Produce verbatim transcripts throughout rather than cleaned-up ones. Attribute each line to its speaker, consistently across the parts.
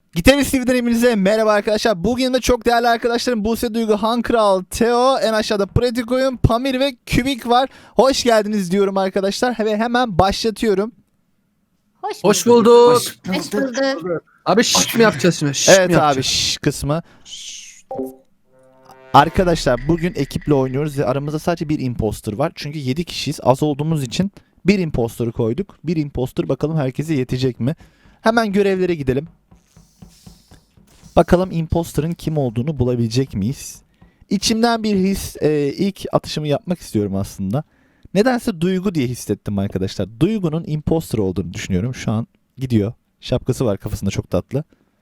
Speaker 1: Gitarist T V'den hepinize merhaba arkadaşlar. Bugün de çok değerli arkadaşlarım Buse Duygu, Han Kral, Teo, en aşağıda Pratik Oyun, Pamir ve Kübik var. Hoş geldiniz diyorum arkadaşlar ve hemen başlatıyorum.
Speaker 2: Hoş,
Speaker 3: Hoş
Speaker 2: bulduk.
Speaker 3: bulduk.
Speaker 2: Hoş bulduk.
Speaker 3: Abi şşt mi yapacağız şimdi? Şşt mi
Speaker 1: Evet abi
Speaker 3: yapacağız?
Speaker 1: şş kısmı. Arkadaşlar bugün ekiple oynuyoruz ve aramızda sadece bir imposter var. Çünkü yedi kişiyiz. Az olduğumuz için bir imposter'ı koyduk. Bir imposter, bakalım herkese yetecek mi? Hemen görevlere gidelim. Bakalım imposter'ın kim olduğunu bulabilecek miyiz? İçimden bir his, e, ilk atışımı yapmak istiyorum aslında. Nedense Duygu diye hissettim arkadaşlar. Duygu'nun imposter olduğunu düşünüyorum. Şu an gidiyor. Şapkası var kafasında, çok tatlı.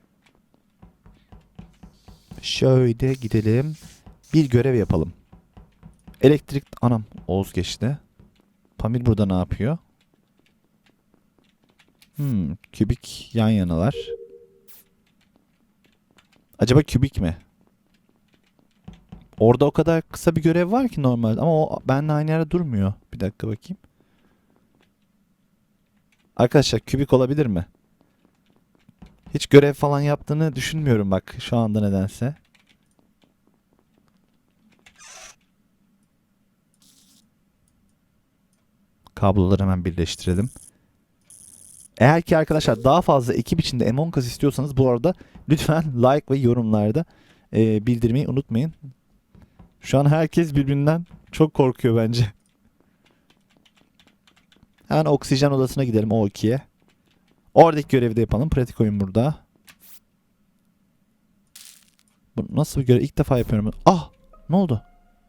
Speaker 1: Şöyle gidelim. Bir görev yapalım. Elektrik... Anam, Oğuz geçti. Pamir burada ne yapıyor? Hmm, Kübik yan yanalar. Acaba Kübik mi? Orada o kadar kısa bir görev var ki normalde ama o benimle aynı yerde durmuyor. Bir dakika bakayım. Arkadaşlar Kübik olabilir mi? Hiç görev falan yaptığını düşünmüyorum bak şu anda nedense. Kabloları hemen birleştirelim. Eğer ki arkadaşlar daha fazla ekip içinde Among Us istiyorsanız bu arada lütfen like ve yorumlarda e, bildirmeyi unutmayın. Şu an herkes birbirinden çok korkuyor bence. Hemen oksijen odasına gidelim, O ikiye. Oradaki görevi de yapalım. Pratik oyun burada. Bu nasıl bir görev? İlk defa yapıyorum. Ah! Ne oldu?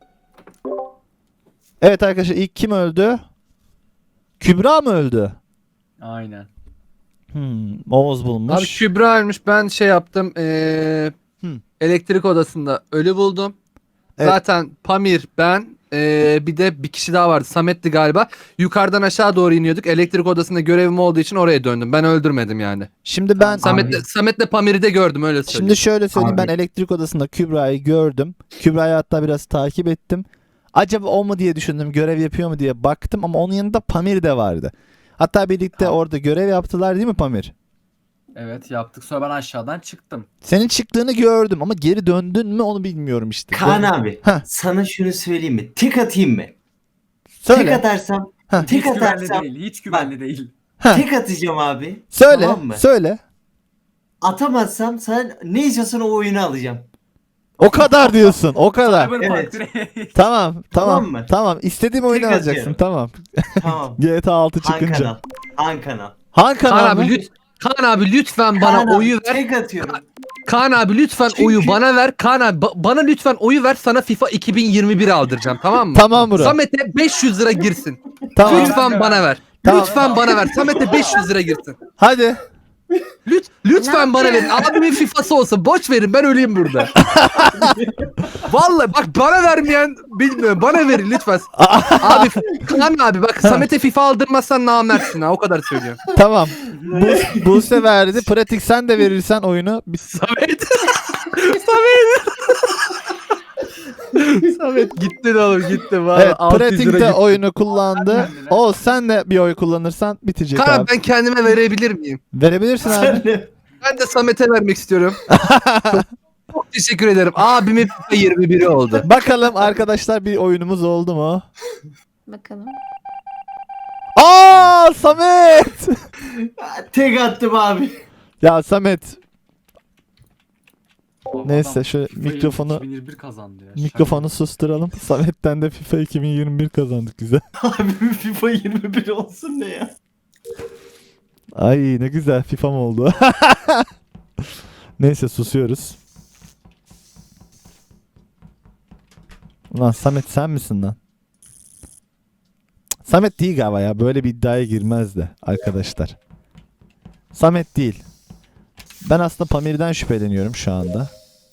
Speaker 1: Evet arkadaşlar, ilk kim öldü? Kübra mı öldü?
Speaker 4: Aynen.
Speaker 1: Hmm, Oğuz bulmuş.
Speaker 3: Abi Kübra ölmüş. Ben şey yaptım. Ee,
Speaker 1: Hmm.
Speaker 3: elektrik odasında ölü buldum.
Speaker 1: Evet.
Speaker 3: Zaten Pamir, ben, ee, bir de bir kişi daha vardı. Samet'ti galiba. Yukarıdan aşağı doğru iniyorduk. Elektrik odasında görevim olduğu için oraya döndüm. Ben öldürmedim yani.
Speaker 1: Şimdi ben
Speaker 3: Samet'le Samet'le Pamir'i de gördüm, öyle söyleyeyim.
Speaker 1: Şimdi şöyle söyleyeyim,
Speaker 4: Abi.
Speaker 1: ben elektrik odasında Kübra'yı gördüm. Kübra'yı hatta biraz takip ettim. Acaba o mu diye düşündüm, görev yapıyor mu diye baktım ama onun yanında Pamir de vardı. Hatta birlikte
Speaker 4: Abi.
Speaker 1: orada görev yaptılar değil mi Pamir?
Speaker 4: Evet yaptık. Sonra ben aşağıdan çıktım.
Speaker 1: Senin çıktığını gördüm ama geri döndün mü onu bilmiyorum işte.
Speaker 2: Kaan
Speaker 1: Dön-
Speaker 2: abi
Speaker 1: Heh.
Speaker 2: sana şunu söyleyeyim mi? Tek atayım mı?
Speaker 1: Söyle.
Speaker 2: Tek atarsam
Speaker 1: Heh.
Speaker 2: tek
Speaker 4: hiç güvenli
Speaker 2: atarsam
Speaker 4: değil. Hiç güvenli değil.
Speaker 1: Heh.
Speaker 2: tek atacağım abi.
Speaker 1: Söyle.
Speaker 2: Tamam mı?
Speaker 1: Söyle.
Speaker 2: Atamazsam sen ne istiyorsan o oyunu alacağım.
Speaker 1: O kadar diyorsun. O kadar.
Speaker 4: Cyberpunk
Speaker 2: Evet.
Speaker 4: direkt.
Speaker 1: Tamam. Tamam.
Speaker 2: Tamam mı?
Speaker 1: Tamam. İstediğim oyunu
Speaker 2: Tek
Speaker 1: alacaksın.
Speaker 2: atıyorum.
Speaker 1: Tamam.
Speaker 2: Tamam.
Speaker 1: G T A altı
Speaker 2: Han
Speaker 1: çıkınca.
Speaker 2: kanal. Han kanal.
Speaker 1: Han
Speaker 3: Kaan
Speaker 1: kanal mı?
Speaker 3: abi, lüt Kaan abi lütfen bana
Speaker 2: Kaan abi,
Speaker 3: oyu ver.
Speaker 2: tek atıyorum.
Speaker 3: Kaan abi lütfen
Speaker 2: Çünkü-
Speaker 3: oyu bana ver. Kaan abi ba- bana lütfen oyu ver, sana FIFA iki bin yirmi bir aldıracağım, tamam mı?
Speaker 1: Tamam bro.
Speaker 3: Samet'e beş yüz lira girsin.
Speaker 1: Tamam.
Speaker 3: Lütfen bana ver.
Speaker 1: Tamam.
Speaker 3: Lütfen bana ver. Samet'e beş yüz lira girsin.
Speaker 1: Hadi.
Speaker 3: Lüt, lütfen bana verin. Abimin FIFA'sı olsa boş verin, ben öleyim burada. Vallahi bak, bana vermeyen bilmiyorum. Bana verin lütfen. Abi Kaan abi bak, Samet'e FIFA aldırmazsan namertsin ha, o kadar söylüyorum.
Speaker 1: Tamam. Bu, Buse verdi. Pratik sen de verirsen oyunu. Biz...
Speaker 3: Samet. Samet. Samet gitti de oğlum, gitti. Vallahi
Speaker 1: Evet,
Speaker 3: altı yüz
Speaker 1: Pratik
Speaker 3: lira
Speaker 1: de
Speaker 3: gitti.
Speaker 1: oyunu kullandı. O sen de bir oy kullanırsan bitecek
Speaker 3: Kaan
Speaker 1: abi.
Speaker 3: abi ben kendime verebilir miyim?
Speaker 1: Verebilirsin abi.
Speaker 2: Sen de-
Speaker 3: Ben de Samet'e vermek istiyorum. çok, çok teşekkür ederim. Abimin FIFA yirmi biri oldu.
Speaker 1: Bakalım arkadaşlar, bir oyunumuz oldu mu?
Speaker 2: Bakalım.
Speaker 1: Aa Samet!
Speaker 2: Tek attım abi.
Speaker 1: Ya Samet,
Speaker 4: Abi
Speaker 1: Neyse,
Speaker 4: adam
Speaker 1: şöyle
Speaker 4: FIFA
Speaker 1: mikrofonu-
Speaker 4: iki bin yirmi bir kazandı ya.
Speaker 1: mikrofonu susturalım. Samet'ten de FIFA iki bin yirmi bir kazandık güzel.
Speaker 2: Abi FIFA yirmi bir olsun ne ya?
Speaker 1: Ay ne güzel FIFA'm oldu. Neyse, susuyoruz. Ulan Samet sen misin lan? Cık, Samet değil galiba ya. Böyle bir iddiaya girmez de arkadaşlar. Samet değil. Ben aslında Pamir'den şüpheleniyorum şu anda.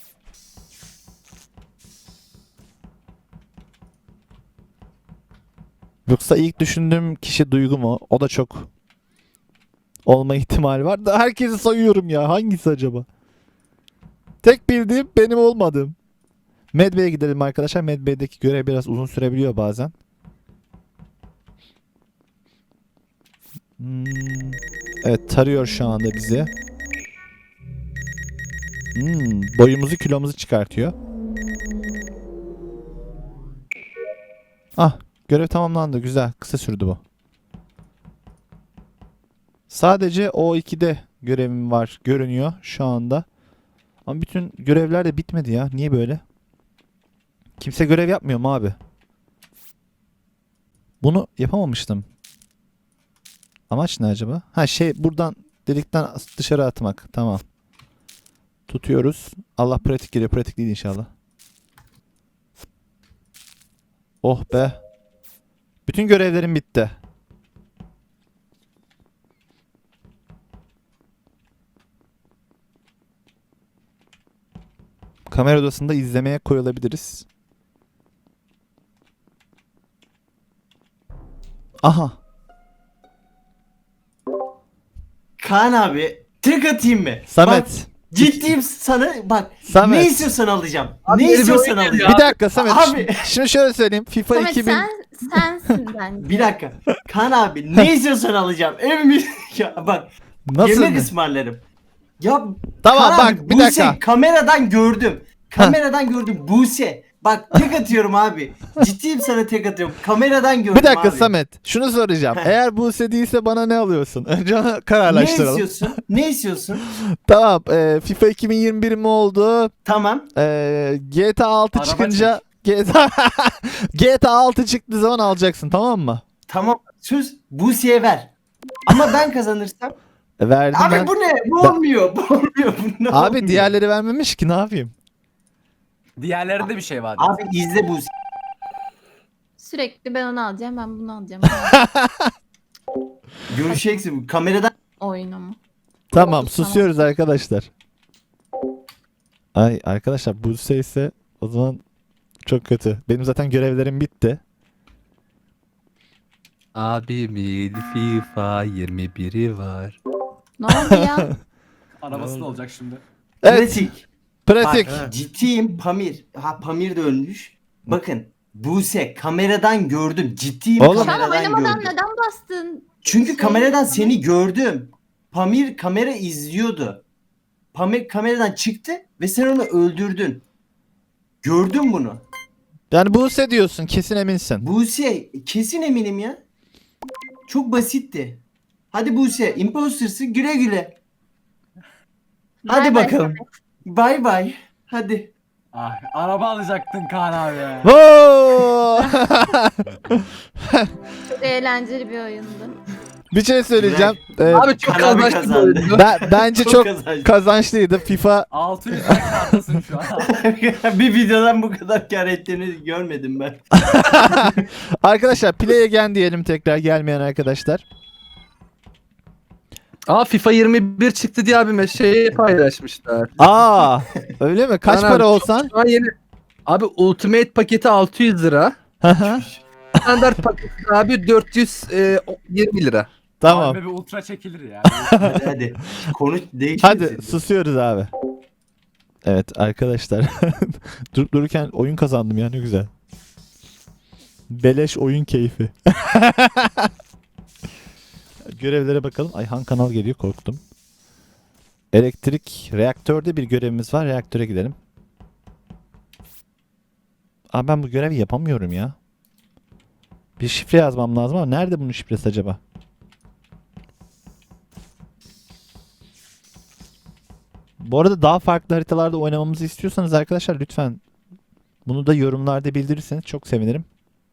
Speaker 1: Yoksa ilk düşündüğüm kişi Duygu mu? O da çok olma ihtimali var da herkesi sayıyorum ya. Hangisi acaba? Tek bildiğim benim olmadığım. Medbay'e gidelim arkadaşlar. Medbay'deki görev biraz uzun sürebiliyor bazen. Hmm. Evet, tarıyor şu anda bizi. Hmm, boyumuzu kilomuzu çıkartıyor. Ah, görev tamamlandı. Güzel. Kısa sürdü bu. Sadece O ikide görevim var görünüyor şu anda. Ama bütün görevler de bitmedi ya. Niye böyle? Kimse görev yapmıyor mu abi? Bunu yapamamıştım. Amaç ne acaba? Ha şey buradan delikten dışarı atmak. Tamam. Tutuyoruz. Allah pratik geliyor. Pratik değil inşallah. Oh be. Bütün görevlerim bitti. Kamera odasında izlemeye koyulabiliriz. Aha.
Speaker 2: Kaan abi tek atayım mı? Bak,
Speaker 1: Samet.
Speaker 2: ciddiyim sana bak.
Speaker 1: Samet.
Speaker 2: Ne istiyorsan alacağım.
Speaker 3: Abi
Speaker 2: ne
Speaker 3: beni bir
Speaker 2: istiyorsan
Speaker 3: oyun
Speaker 2: alacağım.
Speaker 1: Bir dakika Samet.
Speaker 2: Abi.
Speaker 1: ş- Şimdi şöyle söyleyeyim. FIFA
Speaker 5: Samet
Speaker 1: iki bin.
Speaker 5: sen sensin bence.
Speaker 2: Bir dakika. Kaan abi ne istiyorsan alacağım. Evimi ya bak
Speaker 1: Nasıl?
Speaker 2: yemek ısmarlarım. Ya
Speaker 1: Tamam
Speaker 2: Kaan
Speaker 1: bak
Speaker 2: abi,
Speaker 1: bir
Speaker 2: Buse,
Speaker 1: dakika.
Speaker 2: kameradan gördüm. Kameradan gördüm Buse. Bak tek atıyorum abi. Ciddiyim sana tek atıyorum. Kameradan gördüm
Speaker 1: Bir dakika
Speaker 2: abi.
Speaker 1: Samet. Şunu soracağım.
Speaker 2: Heh.
Speaker 1: Eğer Buse değilse bana ne alıyorsun? Önce onu
Speaker 2: Ne
Speaker 1: kararlaştıralım.
Speaker 2: istiyorsun? Ne istiyorsun?
Speaker 1: Tamam. e, FIFA iki bin yirmi bir mi oldu?
Speaker 2: Tamam.
Speaker 1: E, G T A altı
Speaker 4: Araba
Speaker 1: çıkınca G T A G T A altı çıktığı zaman alacaksın, tamam mı?
Speaker 2: Tamam. Söz Buse'ye ver. Ama ben kazanırsam.
Speaker 1: E, verdim
Speaker 2: Abi
Speaker 1: ben.
Speaker 2: bu ne? Bu
Speaker 1: Ben-
Speaker 2: olmuyor. Bu olmuyor. Bu ne
Speaker 1: Abi
Speaker 2: olmuyor?
Speaker 1: diğerleri vermemiş ki, ne yapayım?
Speaker 4: Diğerlerinde bir şey var.
Speaker 2: Abi izle Buse.
Speaker 5: Sürekli ben onu alacağım, ben bunu alacağım.
Speaker 2: Göreceksin. Kameradan
Speaker 5: Oyunumu.
Speaker 1: Tamam,
Speaker 5: Tamam.
Speaker 1: susuyoruz arkadaşlar. Ay arkadaşlar, Buse ise o zaman çok kötü. Benim zaten görevlerim bitti.
Speaker 3: Abimin FIFA yirmi biri var.
Speaker 5: Ne oldu ya?
Speaker 4: Arabası da olacak şimdi.
Speaker 1: Evet,
Speaker 2: pratik.
Speaker 1: pratik.
Speaker 2: Bak, ciddiyim Pamir. Ha Pamir de ölmüş. Bakın Buse kameradan gördüm. Ciddiyim
Speaker 1: Oğlum.
Speaker 5: Şu an
Speaker 2: kameradan
Speaker 5: oynamadan
Speaker 2: gördüm.
Speaker 5: neden bastın?
Speaker 2: Çünkü
Speaker 5: Şey-
Speaker 2: kameradan seni gördüm. Pamir kamera izliyordu. Pamir kameradan çıktı ve sen onu öldürdün. Gördüm bunu.
Speaker 1: Yani Buse diyorsun, kesin eminsin.
Speaker 2: Buse kesin eminim ya. Çok basitti. Hadi Buse imposter'sın, güle güle. Hadi
Speaker 5: Bay bay
Speaker 2: bakalım. Bay bay. Hadi.
Speaker 4: Ah, araba alacaktın Kaan abi ya.
Speaker 1: Woo!
Speaker 5: Çok eğlenceli bir oyundu.
Speaker 1: Bir şey söyleyeceğim. Ee,
Speaker 3: Abi çok
Speaker 2: Kaan abi
Speaker 3: kazançlı bir
Speaker 2: kazandı.
Speaker 3: oyundu.
Speaker 1: ben bence çok
Speaker 2: kazanç.
Speaker 1: kazançlıydı. FIFA
Speaker 4: altı yüz lira karttasın şu an.
Speaker 2: Bir videodan bu kadar kar ettiğini görmedim ben.
Speaker 1: arkadaşlar, play again diyelim tekrar, gelmeyen arkadaşlar.
Speaker 3: Aa FIFA yirmi bir çıktı diye abime şeyi paylaşmışlar.
Speaker 1: Aa, öyle mi? Kaç
Speaker 3: Kaan
Speaker 1: para
Speaker 3: abi,
Speaker 1: olsan?
Speaker 3: Şu an yeni. Abi Ultimate paketi altı yüz lira.
Speaker 1: Hı hı.
Speaker 3: Standart paketi abi dört yüz yirmi lira.
Speaker 1: Tamam.
Speaker 4: Abi bir ultra çekilir ya.
Speaker 2: Hadi hadi. Konu değişmesin.
Speaker 1: Hadi susuyoruz abi. Evet arkadaşlar. Durup dururken oyun kazandım ya, ne güzel. Beleş oyun keyfi. Görevlere bakalım. Ay, Han kanal geliyor, korktum. Elektrik reaktörde bir görevimiz var. Reaktöre gidelim. Aa, ben bu görevi yapamıyorum ya. Bir şifre yazmam lazım ama nerede bunun şifresi acaba? Bu arada daha farklı haritalarda oynamamızı istiyorsanız arkadaşlar lütfen bunu da yorumlarda bildirirseniz çok sevinirim.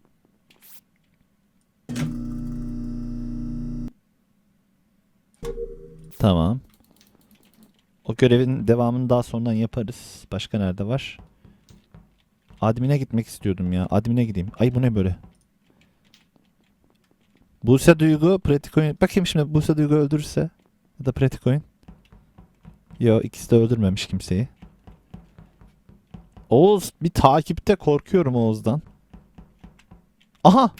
Speaker 1: Tamam. O görevin devamını daha sonradan yaparız. Başka nerede var? Admin'e gitmek istiyordum ya. Admin'e gideyim. Ay, bu ne böyle? Buse Duygu, pratik oyun. Bakayım şimdi Buse Duygu öldürürse. Ya da pratik oyun. Yo, ikisi de öldürmemiş kimseyi. Oğuz bir takipte, korkuyorum Oğuz'dan. Aha.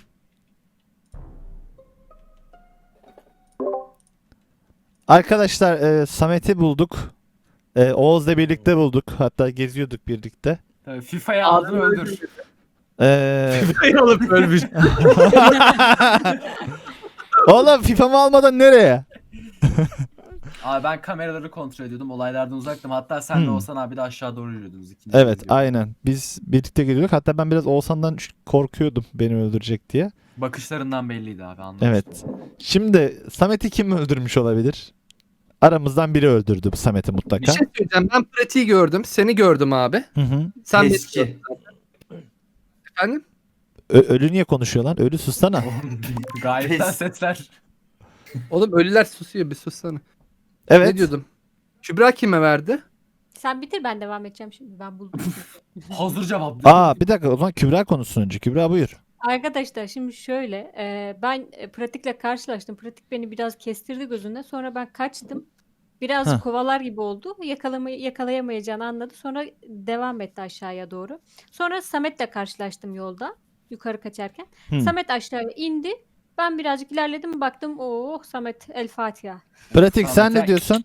Speaker 1: Arkadaşlar e, Samet'i bulduk. E, Oğuz'la birlikte bulduk. Hatta geziyorduk birlikte.
Speaker 4: Tabii FIFA'ya aldın öldür.
Speaker 1: E,
Speaker 3: FIFA'yı alıp ölmüş.
Speaker 1: Oğlum FIFA'mı almadan nereye?
Speaker 4: Abi ben kameraları kontrol ediyordum. Olaylardan uzaktım. Hatta sen de
Speaker 1: Hmm.
Speaker 4: Oğuzhan abi de aşağı doğru yürüyordunuz. İkiniz de
Speaker 1: Evet
Speaker 4: yürüyordunuz.
Speaker 1: aynen. Biz birlikte geliyorduk. Hatta ben biraz Oğuzhan'dan ş- korkuyordum beni öldürecek diye.
Speaker 4: Bakışlarından belliydi abi, anlamıştım.
Speaker 1: Evet. Şimdi Samet'i kim öldürmüş olabilir? Aramızdan biri öldürdü bu Samet'i
Speaker 3: Bir
Speaker 1: mutlaka.
Speaker 3: şey söyleyeceğim. Ben pratiği gördüm. Seni gördüm abi.
Speaker 1: Hı hı.
Speaker 3: Sen beni
Speaker 2: Eski.
Speaker 3: gördün. Efendim?
Speaker 1: Ö- ölü niye konuşuyor lan? Ölü sussana.
Speaker 4: Oğlum, gayetten
Speaker 2: Pes.
Speaker 4: sesler.
Speaker 3: Oğlum ölüler susuyor, bir sussana.
Speaker 1: Evet.
Speaker 3: Ne diyordum? Kübra kime verdi?
Speaker 5: Sen bitir, ben devam edeceğim şimdi. Ben buldum.
Speaker 4: Hazır cevap.
Speaker 1: Aa bir dakika o zaman Kübra konuşsun önce. Kübra buyur.
Speaker 5: Arkadaşlar şimdi şöyle, e, ben e, pratikle karşılaştım. Pratik beni biraz kestirdi gözünde. Sonra ben kaçtım. Biraz
Speaker 1: Heh.
Speaker 5: kovalar gibi oldu. Yakalama, yakalayamayacağını anladı. Sonra devam etti aşağıya doğru. Sonra Samet'le karşılaştım yolda. Yukarı kaçarken.
Speaker 1: Hı.
Speaker 5: Samet aşağıya indi. Ben birazcık ilerledim. Baktım oh Samet El Fatiha.
Speaker 1: Pratik sen
Speaker 4: Samet'e-
Speaker 1: ne diyorsun?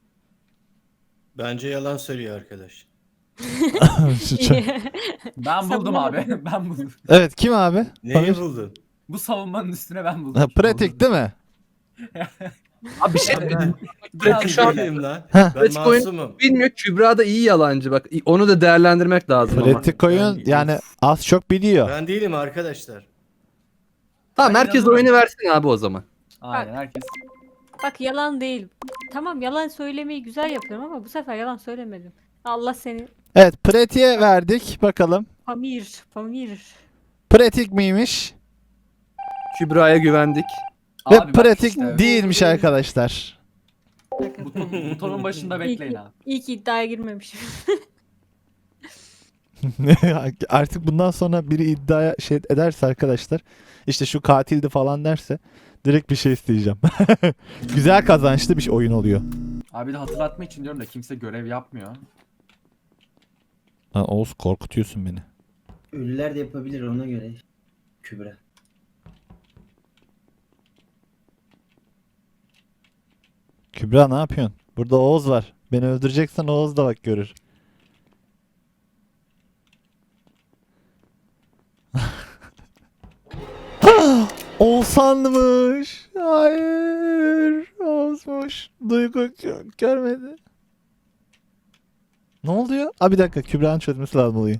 Speaker 6: Bence yalan söylüyor arkadaş.
Speaker 4: Ben buldum abi. Ben buldum.
Speaker 1: Evet kim abi?
Speaker 6: Neyi
Speaker 1: Pamir?
Speaker 6: buldun?
Speaker 4: Bu savunmanın üstüne ben buldum.
Speaker 1: Ha, pratik değil mi?
Speaker 3: Abi bir şey
Speaker 6: Ben, ben,
Speaker 3: Pratik şu an
Speaker 6: değilim lan.
Speaker 1: Heh.
Speaker 6: Ben
Speaker 3: Pratik oyun-
Speaker 6: masumum.
Speaker 3: bilmiyor. Kübra da iyi yalancı bak. Onu da değerlendirmek lazım ama.
Speaker 1: Pratik oyun
Speaker 6: Ben-
Speaker 1: yani az çok biliyor.
Speaker 6: Ben değilim arkadaşlar.
Speaker 3: Tamam
Speaker 4: Ben
Speaker 3: herkes
Speaker 4: inanırım.
Speaker 3: oyunu versin abi o zaman.
Speaker 4: Aynen, herkes.
Speaker 5: Bak yalan değil. Tamam yalan söylemeyi güzel yapıyorum ama bu sefer yalan söylemedim. Allah seni.
Speaker 1: Evet Pratik'e verdik bakalım.
Speaker 5: Pamir, Pamir.
Speaker 1: Pratik miymiş?
Speaker 3: Kübra'ya güvendik.
Speaker 1: Ve
Speaker 4: Abi bak
Speaker 1: pratik
Speaker 4: işte,
Speaker 1: değilmiş arkadaşlar.
Speaker 4: buton- butonun başında bekleyin abi.
Speaker 5: İyi ki iddiaya girmemişim.
Speaker 1: Artık bundan sonra biri iddia şey ederse arkadaşlar işte şu katildi falan derse direkt bir şey isteyeceğim. Güzel kazançlı bir şey- oyun oluyor.
Speaker 4: Abi de hatırlatma için diyorum da kimse görev yapmıyor.
Speaker 1: Lan Oğuz korkutuyorsun beni.
Speaker 2: Ölüler de yapabilir ona göre. Kübra.
Speaker 1: Kübra ne yapıyorsun? Burada Oğuz var. Beni öldüreceksen Oğuz da bak görür. Oğuzhan'mış. Hayır. Oğuz'muş. Duygu gö- görmedi. Ne oluyor? Aa bir dakika Kübra'nın çözmesi lazım olayı.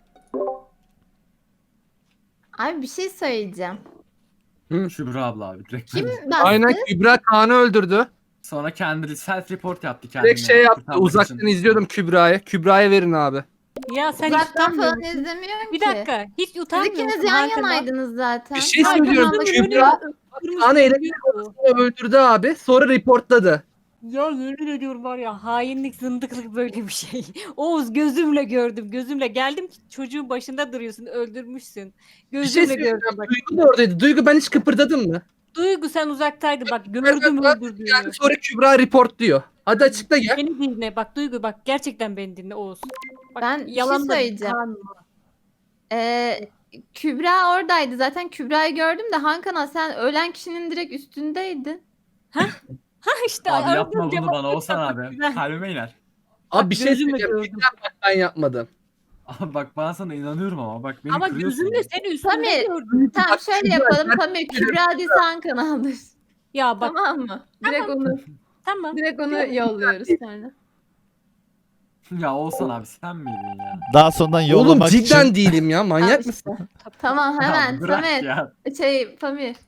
Speaker 7: Abi bir şey söyleyeceğim.
Speaker 4: Şübra abla abi direkt.
Speaker 7: Kim
Speaker 4: bence.
Speaker 7: bastı?
Speaker 3: Aynen Kübra Kaan'ı öldürdü.
Speaker 4: Sonra kendi self report yaptı kendine.
Speaker 3: Direkt şey yaptı.
Speaker 4: kurtarmak
Speaker 3: Uzaktan
Speaker 4: için.
Speaker 3: izliyordum Kübra'ya. Kübra'ya verin abi.
Speaker 5: Ya sen hiç
Speaker 7: Uzaktan
Speaker 5: utanmıyor
Speaker 7: falan
Speaker 5: musun?
Speaker 7: izlemiyorum
Speaker 5: Bir
Speaker 7: ki.
Speaker 5: dakika. Hiç
Speaker 7: Siz
Speaker 5: utanmıyor
Speaker 7: ikiniz
Speaker 5: musun
Speaker 7: yan
Speaker 5: Hakan'dan?
Speaker 7: yanaydınız zaten.
Speaker 3: Bir şey
Speaker 7: Hakan
Speaker 3: söylüyorum.
Speaker 7: aldı.
Speaker 3: Kübra Kaan'ı elektrik odasında öldürdü abi. Sonra reportladı.
Speaker 5: Ya yemin ediyorum var ya hainlik zındıklık böyle bir şey. Oğuz gözümle gördüm gözümle geldim ki çocuğun başında duruyorsun öldürmüşsün.
Speaker 3: Bir şey
Speaker 5: Gözümle
Speaker 3: söyleyeceğim.
Speaker 5: gördüm bak.
Speaker 3: Duygu da oradaydı. Duygu ben hiç kıpırdadım mı?
Speaker 5: Duygu sen uzaktaydın bak gördüm
Speaker 3: Yani
Speaker 5: öldürdüğünü.
Speaker 3: sonra Kübra report diyor. Hadi açıkla gel.
Speaker 5: Beni dinle bak Duygu bak gerçekten beni dinle Oğuz. Bak,
Speaker 7: Ben bir şey
Speaker 5: yalan da
Speaker 7: söyleyeceğim.
Speaker 5: kanma.
Speaker 7: Ee, Kübra oradaydı. Zaten Kübra'yı gördüm de Hakan'a sen ölen kişinin direkt üstündeydin.
Speaker 5: Ha işte
Speaker 4: Abi
Speaker 5: aradığım
Speaker 4: yapma bunu
Speaker 5: cevap
Speaker 4: bana
Speaker 5: yok
Speaker 4: Oğuzhan
Speaker 5: bak,
Speaker 4: abi.
Speaker 5: güzel.
Speaker 4: Kalbime iner.
Speaker 3: Abi bir şey
Speaker 5: gözümle
Speaker 3: söyleyeceğim.
Speaker 5: gördüm.
Speaker 3: Cidden bak ben yapmadım.
Speaker 4: Abi bak ben sana inanıyorum ama bak beni
Speaker 5: Ama
Speaker 4: kırıyorsun.
Speaker 5: gözümle seni üstünde
Speaker 7: Pamir.
Speaker 5: gördüm.
Speaker 7: Tamam
Speaker 3: Bak,
Speaker 7: şöyle
Speaker 3: Kübra,
Speaker 7: yapalım.
Speaker 3: ben-
Speaker 7: Pamir Kübra değilse Hakan alır.
Speaker 5: Ya bak
Speaker 7: Tamam mı? Direkt onu
Speaker 5: tamam.
Speaker 7: direkt onu yolluyoruz sonra.
Speaker 4: Ya Oğuzhan abi sen miydin ya?
Speaker 1: Daha sonradan
Speaker 3: Oğlum
Speaker 1: yollamak
Speaker 3: cidden
Speaker 1: için
Speaker 3: değilim ya. Manyak
Speaker 7: Al
Speaker 3: mısın?
Speaker 7: işte. Tamam hemen
Speaker 4: Ya bırak
Speaker 7: Samet.
Speaker 4: ya.
Speaker 7: Şey Pamir.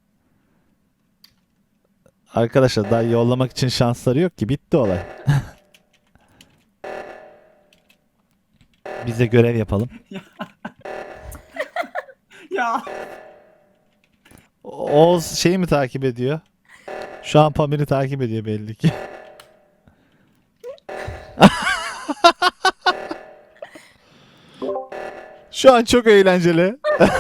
Speaker 1: arkadaşlar daha yollamak için şansları yok ki bitti olay. Biz de görev yapalım.
Speaker 4: Ya.
Speaker 1: Oğuz şeyi mi takip ediyor? Şu an Pamir'i takip ediyor belli ki. Şu an çok eğlenceli.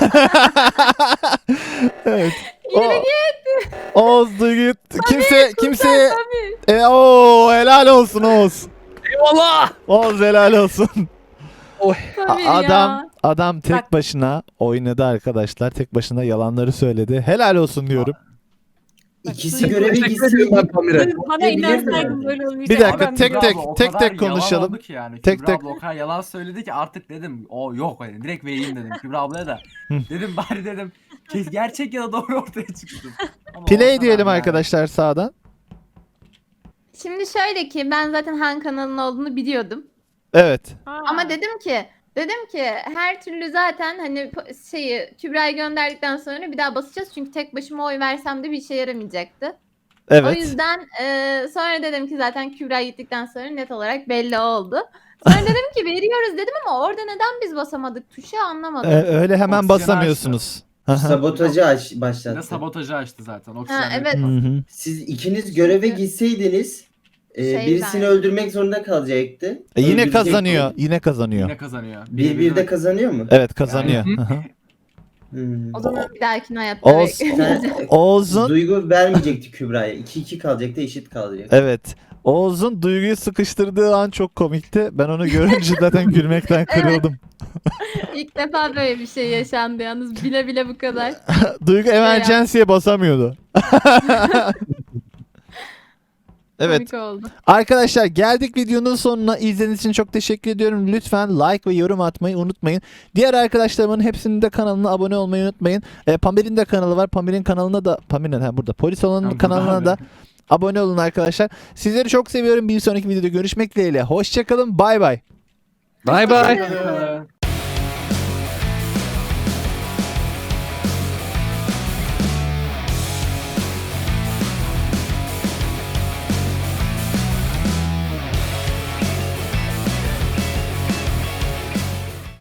Speaker 1: Evet. O, Oğuz Duygu kimse kimse e, o helal olsun Oğuz.
Speaker 3: Eyvallah.
Speaker 1: Oğuz helal olsun. A-
Speaker 7: Pamir
Speaker 1: adam
Speaker 7: ya.
Speaker 1: adam tek
Speaker 5: Bak.
Speaker 1: başına oynadı arkadaşlar. Tek başına yalanları söyledi. Helal olsun diyorum.
Speaker 2: İkisi
Speaker 5: Duygu-
Speaker 2: göreve
Speaker 3: Teşekkür
Speaker 2: gitsin.
Speaker 3: ediyorum ben Pamir'e.
Speaker 5: Duygu, Bana
Speaker 2: Diyebilir
Speaker 5: inansaydın
Speaker 2: miyim?
Speaker 5: böyle olmayacak.
Speaker 1: Bir dakika,
Speaker 5: Ben
Speaker 1: tek
Speaker 4: Kübra
Speaker 1: tek-
Speaker 4: abla o
Speaker 1: tek
Speaker 4: kadar
Speaker 1: tek konuşalım.
Speaker 4: yalan oldu ki yani.
Speaker 1: Tek
Speaker 4: Kübra
Speaker 1: tek-
Speaker 4: abla o kadar yalan söyledi ki artık dedim o yok hani direkt vereyim dedim Kübra ablaya da.
Speaker 1: Hı.
Speaker 4: Dedim bari dedim kes- gerçek ya da doğru ortaya çıksın. Ama
Speaker 1: Play
Speaker 4: Oğuzhan
Speaker 1: diyelim
Speaker 4: abi yani.
Speaker 1: arkadaşlar sağdan.
Speaker 7: Şimdi şöyle ki ben zaten Han kanalının olduğunu biliyordum.
Speaker 1: Evet.
Speaker 7: Ama dedim ki dedim ki her türlü zaten hani po- şeyi Kübra'yı gönderdikten sonra bir daha basacağız. Çünkü tek başıma oy versem de bir işe yaramayacaktı. O
Speaker 1: Evet.
Speaker 7: yüzden e, sonra dedim ki zaten Kübra gittikten sonra net olarak belli oldu. Sonra dedim ki veriyoruz dedim ama orada neden biz basamadık tuşu anlamadım.
Speaker 1: Ee, öyle hemen
Speaker 4: Oksijen
Speaker 1: basamıyorsunuz. Hı hı.
Speaker 2: Sabotajı aç,
Speaker 4: Bir de
Speaker 2: başlattı.
Speaker 4: sabotajı açtı zaten.
Speaker 7: Ha,
Speaker 4: Oksijen
Speaker 7: evet.
Speaker 1: Hı hı.
Speaker 2: Siz ikiniz göreve gitseydiniz e,
Speaker 7: Şey
Speaker 2: birisini
Speaker 7: ben-
Speaker 2: öldürmek zorunda kalacaktı.
Speaker 1: E, yine
Speaker 2: Öldürecekti.
Speaker 1: kazanıyor. Yine kazanıyor.
Speaker 4: Yine kazanıyor.
Speaker 2: Bir bir de kazanıyor mu?
Speaker 1: Evet kazanıyor.
Speaker 4: Yani-
Speaker 1: Hı hı.
Speaker 2: Hmm.
Speaker 7: O zaman bir dahakine hayatta
Speaker 1: Oğuz-
Speaker 7: bekleyeceğiz.
Speaker 2: Sen-
Speaker 1: Oğuz'un
Speaker 2: Duygu vermeyecekti Kübra'ya. iki iki kalacaktı, eşit kalacak.
Speaker 1: evet. Oğuz'un Duygu'yu sıkıştırdığı an çok komikti. Ben onu görünce zaten gülmekten kırıldım.
Speaker 7: İlk defa böyle bir şey yaşandı yalnız bile bile bu kadar.
Speaker 1: Duygu emergency'ye basamıyordu. Evet.
Speaker 7: Komik oldu.
Speaker 1: Arkadaşlar geldik videonun sonuna. İzlediğiniz için çok teşekkür ediyorum. Lütfen like ve yorum atmayı unutmayın. Diğer arkadaşlarımın hepsinin de kanalına abone olmayı unutmayın. E, Pamir'in de kanalı var. Pamir'in kanalına da Pamir'in ha burada. Polis olanın
Speaker 4: Ha, burada
Speaker 1: kanalına
Speaker 4: abi.
Speaker 1: da abone olun arkadaşlar. Sizleri çok seviyorum. Bir sonraki videoda görüşmek dileğiyle. Hoşçakalın. Bay bay.
Speaker 3: Bay bay.
Speaker 4: Hoşçakalın.